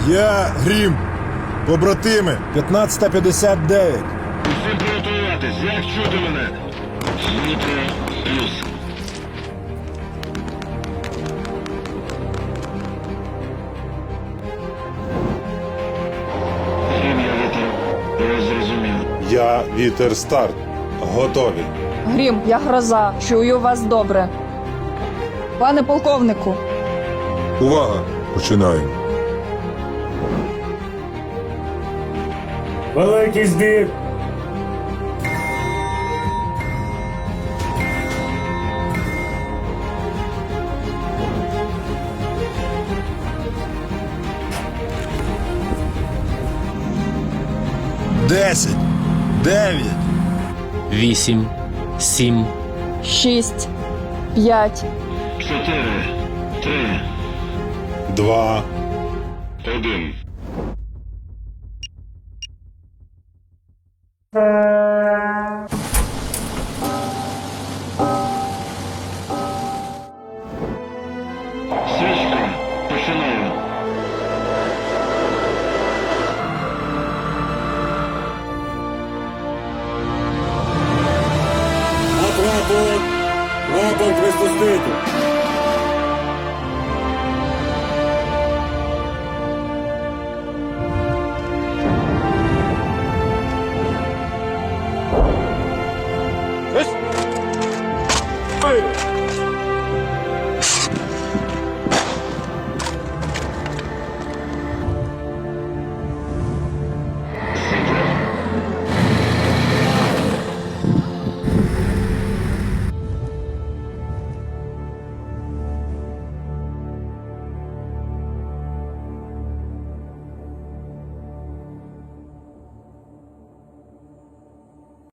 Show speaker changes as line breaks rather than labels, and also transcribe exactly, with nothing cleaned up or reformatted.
Я Грім. Побратими, п'ятнадцята п'ятдесят дев'ять.
Усім приготуватись, як чути мене? Дмитро плюс. Грім, я вітер. Я зрозумів.
Я Вітер Старт. Готові.
Грім, я гроза. Чую вас добре. Пане полковнику,
Увага! Починаємо.
Великий збір!
Десять. Дев'ять.
Вісім, сім,
шість, п'ять,
Чотири, три,
Два.
один. Свічка, починаю.
Рапорт! Рапорт випустити!